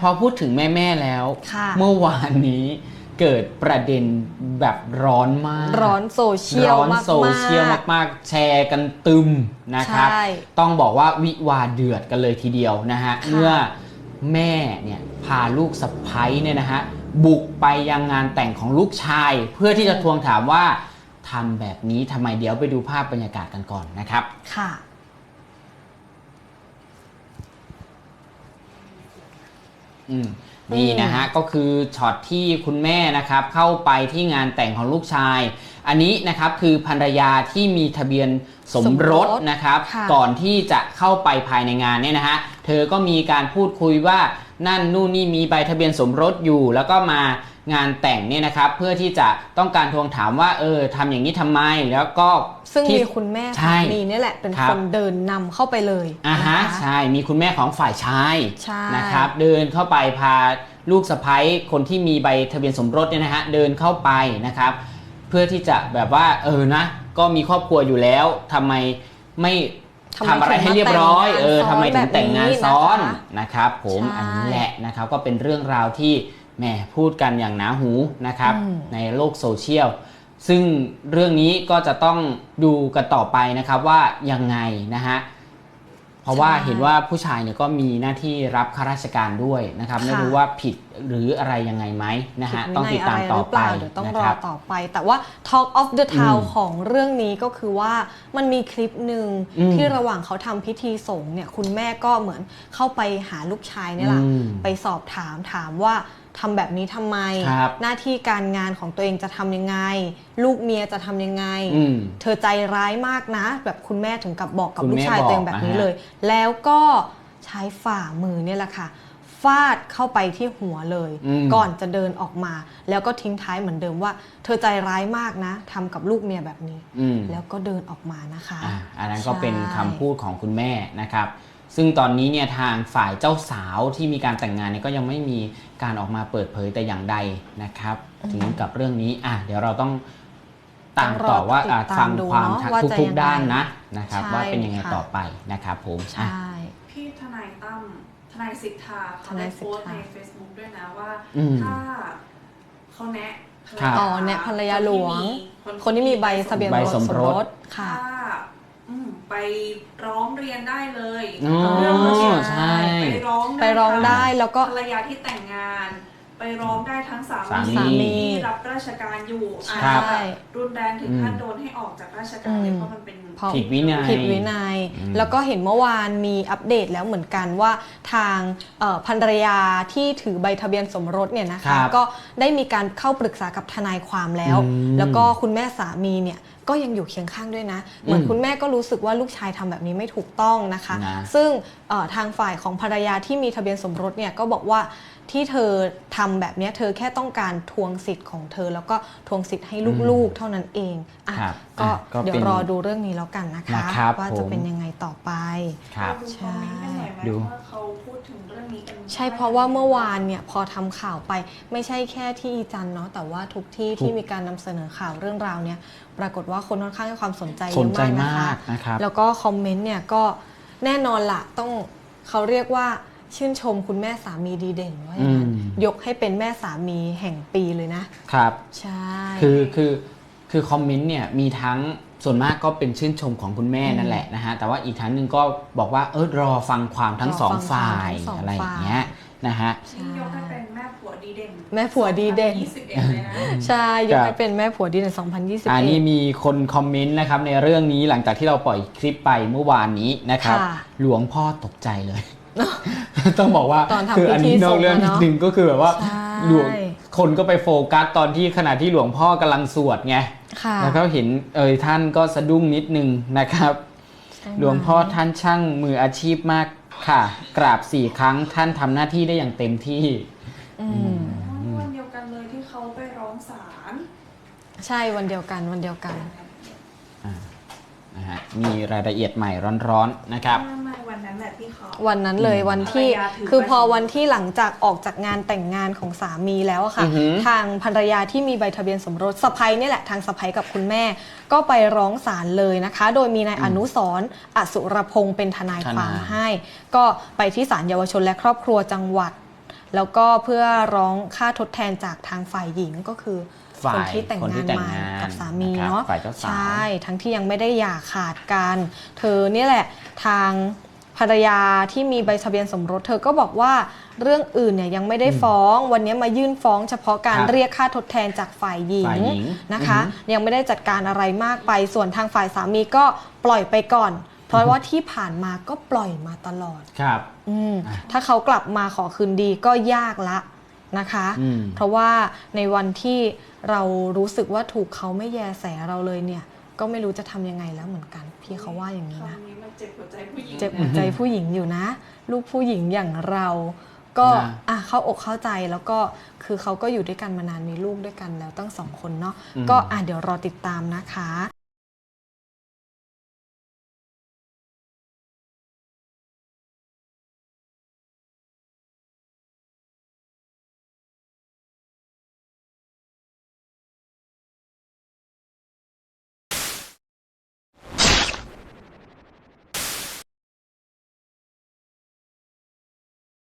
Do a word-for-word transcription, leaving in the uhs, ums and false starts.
พอพูดถึงแม่ๆแล้วเมื่อวานนี้เกิดประเด็นแบบร้อนมากร้อนโซเชียลมากๆร้อนโซเชียลมากๆแชร์กันตึมนะครับต้องบอกว่าวิวาเดือดกันเลยทีเดียวนะฮะเมื่อแม่เนี่ยพาลูกสะใภ้เนี่ยนะฮะบุกไปยังงานแต่งของลูกชายเพื่อที่จะทวงถามว่าทำแบบนี้ทำไมเดี๋ยวไปดูภาพบรรยากาศกันก่อนนะครับค่ะอืมนี่นะฮะก็คือช็อตที่คุณแม่นะครับเข้าไปที่งานแต่งของลูกชายอันนี้นะครับคือภรรยาที่มีทะเบียนสมรสนะครับก่อนที่จะเข้าไปภายในงานเนี่ยนะฮะเธอก็มีการพูดคุยว่านั่นนู่นนี่มีใบทะเบียนสมรสอยู่แล้วก็มางานแต่งเนี่ยนะครับเพื่อที่จะต้องการทวงถามว่าเออทำอย่างนี้ทำไมแล้วก็ซึ่งมีคุณแม่สามีนี่แหละเป็นคนเดินนำเข้าไปเลยอ่าฮะใช่มีคุณแม่ของฝ่ายชายนะครับเดินเข้าไปพาลูกสะใภ้คนที่มีใบทะเบียนสมรสเนี่ยนะฮะเดินเข้าไปนะครับเพื่อที่จะแบบว่าเออนะก็มีครอบครัวอยู่แล้วทำไมไม่ทำอะไรให้เรียบร้อยเออทำไมถึงแต่งงานซ้อนนะครับผมอันนี้แหละนะครับก็เป็นเรื่องราวที่แหมพูดกันอย่างหนาหูนะครับในโลกโซเชียลซึ่งเรื่องนี้ก็จะต้องดูกันต่อไปนะครับว่ายังไงนะฮะเพราะว่าเห็นว่าผู้ชายเนี่ยก็มีหน้าที่รับข้าราชการด้วยนะครับไม่รู้ว่าผิดหรืออะไรยังไงไหมนะฮะต้องติดตามต่อไปเดี๋ยวต้องรอต่อไปแต่ว่า Talk of the Town ของเรื่องนี้ก็คือว่ามันมีคลิปหนึ่งที่ระหว่างเขาทำพิธีสงฆ์เนี่ยคุณแม่ก็เหมือนเข้าไปหาลูกชายนี่แหละไปสอบถามถามว่าทำแบบนี้ทำไมหน้าที่การงานของตัวเองจะทำยังไงลูกเมียจะทำยังไงเธอใจร้ายมากนะแบบคุณแม่ถึงกับบอกกับลูกชายตัวเองแบบนี้เลยแล้วก็ใช้ฝ่ามือเนี่ยแหละค่ะฟาดเข้าไปที่หัวเลยก่อนจะเดินออกมาแล้วก็ทิ้งท้ายเหมือนเดิมว่าเธอใจร้ายมากนะทำกับลูกเมียแบบนี้แล้วก็เดินออกมานะคะอ, อันนั้นก็เป็นคำพูดของคุณแม่นะครับซึ่งตอนนี้เนี่ยทางฝ่ายเจ้าสาวที่มีการแต่งงานเนี่ยก็ยังไม่มีการออกมาเปิดเผยแต่อย่างใดนะครับถึงกับเรื่องนี้อ่ะเดี๋ยวเราต้องตามต่อว่าฟังความทุกๆด้านนะนะครับว่าเป็นยังไงต่อไปนะครับผมใช่พี่ทนายตั้มทนายสิทธาเขาได้โพสต์ใน Facebook ด้วยนะว่าถ้าเขาแนะอ๋อแนะภรรยาหลวงคนที่มีใบทะเบียนสมรสค่ะไปร้องเรียนได้เลยเรื่องนี้ไปร้องไปร้องได้แล้วก็ภรรยาที่แต่งงานไปร้องได้ทั้งสามีที่รับราชการอยู่อาจจะรุนแรงถึงขั้นโดนให้ออกจากราชการเลยเพราะมันเป็นผิดวินัยผิดวินัยแล้วก็เห็นเมื่อวานมีอัปเดตแล้วเหมือนกันว่าทางภรรยาที่ถือใบทะเบียนสมรสเนี่ยนะคะก็ได้มีการเข้าปรึกษากับทนายความแล้วแล้วก็คุณแม่สามีเนี่ยก็ยังอยู่เคียงข้างด้วยนะเหมือนคุณแม่ก็รู้สึกว่าลูกชายทำแบบนี้ไม่ถูกต้องนะคะซึ่งทางฝ่ายของภรรยาที่มีทะเบียนสมรสเนี่ยก็บอกว่าที่เธอทำแบบนี้เธอแค่ต้องการทวงสิทธิ์ของเธอแล้วก็ทวงสิทธิ์ให้ลูกๆเท่านั้นเองอ่ะก็เดี๋ยวรอดูเรื่องนี้แล้วกันนะคะว่าจะเป็นยังไงต่อไปใช่ดูเขาพูดถึงเรื่องนี้กันใช่เพราะว่าเมื่อวานเนี่ยพอทำข่าวไปไม่ใช่แค่ที่อีจันเนาะแต่ว่าทุกที่ที่มีการนำเสนอข่าวเรื่องราวเนี่ยปรากฏว่าคนค่อนข้างให้ความสนใจเยอะมากนะคะแล้วก็คอมเมนต์เนี่ยก็แน่นอนละต้องเขาเรียกว่าชื่นชมคุณแม่สามีดีเด่นว่าอย่างนั้นยกให้เป็นแม่สามีแห่งปีเลยนะครับใช่คือคือคือคอมเมนต์เนี่ยมีทั้งส่วนมากก็เป็นชื่นชมของคุณแม่นั่นแหละนะฮะแต่ว่าอีกทั้งหนึ่งก็บอกว่าเออรอฟังความทั้งสองฝ่ายอะไรอย่างเงี้ยนะฮะยกให้เป็นแม่ผัวดีเด่นแม่ผัวดีเด่นใช่ยกให้เป็นแม่ผัวดีเด่นสองพันยี่สิบเอ็ดอันนี้มีคนคอมเมนต์นะครับในเรื่องนี้หลังจากที่เราปล่อยคลิปไปเมื่อวานนี้นะครับหลวงพ่อตกใจเลยต้องบอกว่าคืออันนี้นอกเรื่องนิดนึงก็คือแบบว่าหลวงคนก็ไปโฟกัสตอนที่ขณะที่หลวงพ่อกำลังสวดไงแล้วก็เห็นเอ่ยท่านก็สะดุ้งนิดนึงนะครับหลวงพ่อท่านช่างมืออาชีพมากค่ะกราบสี่ครั้งท่านทำหน้าที่ได้อย่างเต็มที่วันเดียวกันเลยที่เขาไปร้องศาลใช่วันเดียวกันวันเดียวกันนะฮะมีรายละเอียดใหม่ร้อนๆนะครับวันนั้นแหละที่เขาวันนั้นเลยวันที่คือพอวันที่หลังจากออกจากงานแต่งงานของสามีแล้วค่ะทางภรรยาที่มีใบทะเบียนสมรสสะใภ้นี่แหละทางสะใภ้กับคุณแม่ก็ไปร้องศาลเลยนะคะโดยมีนายอนุสรณ์อสุรพงศ์เป็นทนายความให้ก็ไปที่ศาลเยาวชนและครอบครัวจังหวัดแล้วก็เพื่อร้องค่าทดแทนจากทางฝ่ายหญิงก็คือฝ่ายคนที่แต่งคนที่งานแต่งมางานกับสามีนะครับเนาะฝ่ายเจ้าสาวใช่ทั้งที่ยังไม่ได้หย่าขาดกัน เธอเนี่ยแหละทางภรรยาที่มีใบทะเบียนสมรสเธอก็บอกว่าเรื่องอื่นเนี่ยยังไม่ได้ฟ้องวันนี้มายื่นฟ้องเฉพาะการครับเรียกค่าทดแทนจากฝ่ายหญิงฝ่ายหญิงนะคะอือฮึยังไม่ได้จัดการอะไรมากไปส่วนทางฝ่ายสามีก็ปล่อยไปก่อน เพราะว่าที่ผ่านมาก็ปล่อยมาตลอดครับอืมถ้าเขากลับมาขอคืนดีก็ยากละนะคะอืมเพราะว่าในวันที่เรารู้สึกว่าถูกเขาไม่แยแสเราเลยเนี่ยก็ไม่รู้จะทำยังไงแล้วเหมือนกันพี่เขาว่าอย่างนี้นะคำนี้มันเจ็บหัวใจผู้หญิงเจ็บหัวใจผู้หญิงอยู่นะ ลูกผู้หญิงอย่างเรา ก็นะอ่ะเข้าอกเข้าใจแล้วก็คือเขาก็อยู่ด้วยกันมานานมีลูกด้วยกันแล้วตั้งสองคนเนาะอืมก็อ่ะเดี๋ยวรอติดตามนะคะ